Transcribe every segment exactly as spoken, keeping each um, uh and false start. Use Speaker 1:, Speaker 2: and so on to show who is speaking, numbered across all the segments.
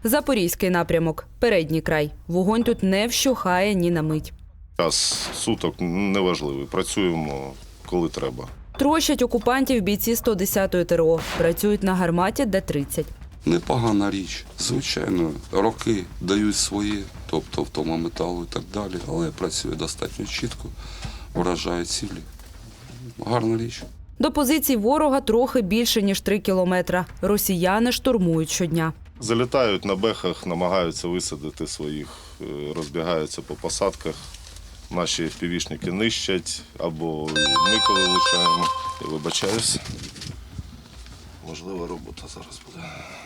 Speaker 1: Запорізький напрямок – передній край. Вогонь тут не вщухає ні на мить.
Speaker 2: Час суток неважливий. Працюємо, коли треба.
Speaker 1: Трощать окупантів бійці сто десятої ТРО. Працюють на гарматі Д тридцять.
Speaker 3: Непогана річ. Звичайно, роки дають свої, тобто втома металу і так далі, але працює достатньо чітко, вражає цілі. Гарна річ.
Speaker 1: До позицій ворога трохи більше, ніж три кілометра. Росіяни штурмують щодня.
Speaker 2: Залітають на бехах, намагаються висадити своїх, е, розбігаються по посадках. Наші півішники нищать, або ми коли влучаємо. Я вибачаюсь. Можлива робота зараз буде.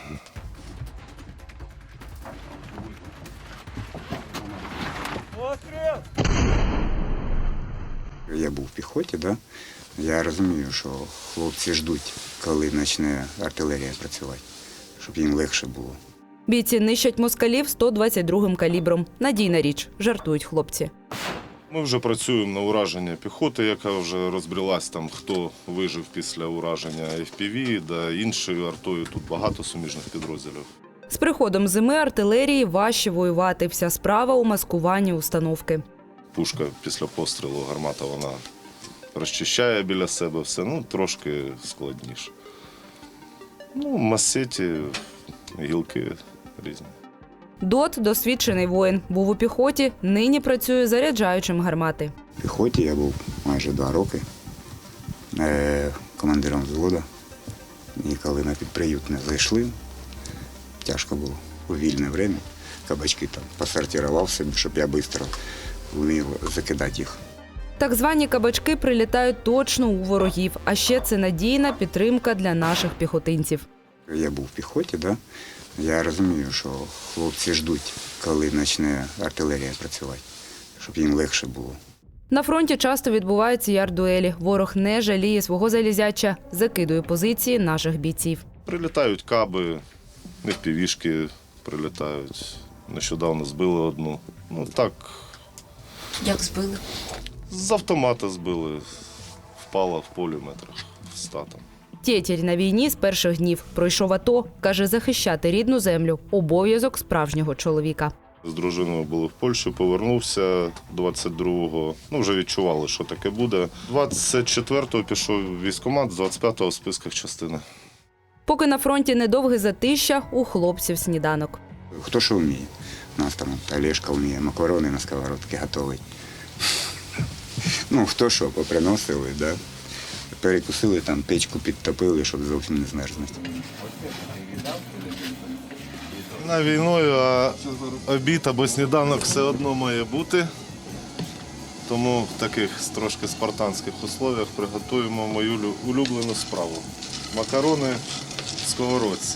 Speaker 4: Я був в піхоті, да? Я розумію, що хлопці ждуть, коли почне артилерія працювати, щоб їм легше було.
Speaker 1: Бійці нищать москалів сто двадцять другим калібром. Надійна річ, жартують хлопці.
Speaker 2: Ми вже працюємо на ураження піхоти, яка вже розбрілась, там, хто вижив після ураження еф пі ві, да іншою артою. Тут багато суміжних підрозділів.
Speaker 1: З приходом зими артилерії важче воювати. Вся справа у маскуванні установки.
Speaker 2: Пушка після пострілу, гармата, вона розчищає біля себе все, ну, трошки складніше. Ну, масеті, гілки різні.
Speaker 1: Дот – досвідчений воїн. Був у піхоті, нині працює заряджаючим гармати.
Speaker 4: В піхоті я був майже два роки е, командиром взводу. І коли на підприютне зайшли, тяжко було у вільне время. Кабачки там посортував собі, щоб я швидко вмів закидати їх.
Speaker 1: Так звані кабачки прилітають точно у ворогів. А ще це надійна підтримка для наших піхотинців.
Speaker 4: Я був в піхоті, да? Я розумію, що хлопці ждуть, коли почне артилерія працювати, щоб їм легше було.
Speaker 1: На фронті часто відбуваються ярдуелі. Ворог не жаліє свого залізяча, закидує позиції наших бійців.
Speaker 2: Прилітають каби, еф пі вішки прилітають. Нещодавно збили одну. Ну так,
Speaker 1: Як збили?
Speaker 2: з автомата збили, впала в полі метрах ста там.
Speaker 1: Тєтєр на війні з перших днів. Пройшов АТО. Каже, захищати рідну землю – обов'язок справжнього чоловіка.
Speaker 2: З дружиною були в Польщі, повернувся двадцять другого. Ну, вже відчували, що таке буде. двадцять четвертого пішов в військкомат, з двадцять п'ятого в списках частини.
Speaker 1: Поки на фронті недовге затища, у хлопців сніданок.
Speaker 4: Хто що вміє? У нас там Олешка вміє макарони на сковородці готовить. Ну, хто що, поприносили, да? Перекусили, там печку підтопили, щоб зовсім не змерзнути.
Speaker 2: На війною, а обід або сніданок все одно має бути. Тому в таких трошки спартанських условіях приготуємо мою улюблену справу. Макарони в сковородці.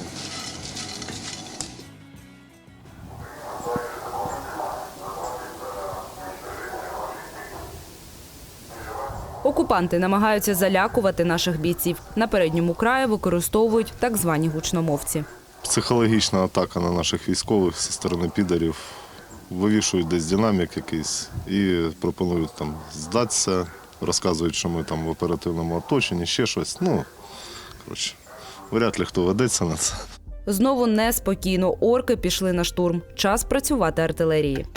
Speaker 1: Окупанти намагаються залякувати наших бійців. На передньому краї використовують так звані гучномовці.
Speaker 2: Психологічна атака на наших військових зі сторони підарів. Вивішують десь динамік якийсь і пропонують там здатися, розказують, що ми там в оперативному оточенні, ще щось. Ну, коротше, вряд ли хто ведеться на це.
Speaker 1: Знову неспокійно. Орки пішли на штурм. Час працювати артилерії.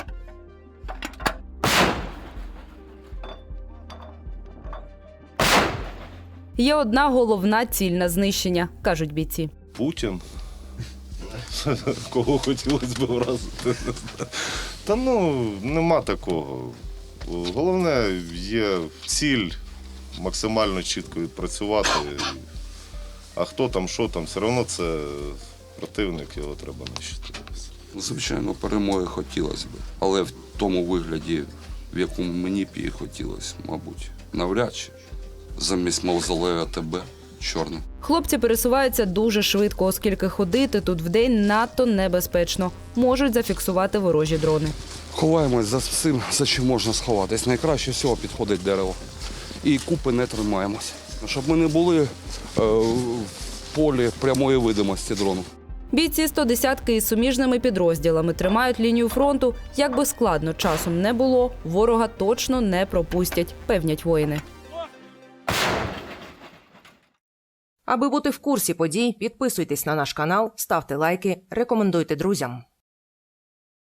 Speaker 1: Є одна головна ціль на знищення, кажуть бійці.
Speaker 2: Путін. Кого хотілося б вразити. Та ну, нема такого. Головне, є ціль максимально чітко відпрацювати. А хто там, що там, все одно це противник, його треба нищити.
Speaker 3: Звичайно, перемоги хотілося б, але в тому вигляді, в якому мені б її хотілося, мабуть, навряд чи. Замість мавзолея АТБ чорне.
Speaker 1: Хлопці пересуваються дуже швидко, оскільки ходити тут вдень надто небезпечно. Можуть зафіксувати ворожі дрони.
Speaker 3: Ховаємось за всім, за чим можна сховатись. Найкраще всього підходить дерево. І купи не тримаємось. Щоб ми не були е, в полі прямої видимості дрону.
Speaker 1: Бійці сто десятки із суміжними підрозділами тримають лінію фронту. Як би складно часом не було, ворога точно не пропустять, певнять воїни.
Speaker 5: Аби бути в курсі подій, підписуйтесь на наш канал, ставте лайки, рекомендуйте друзям.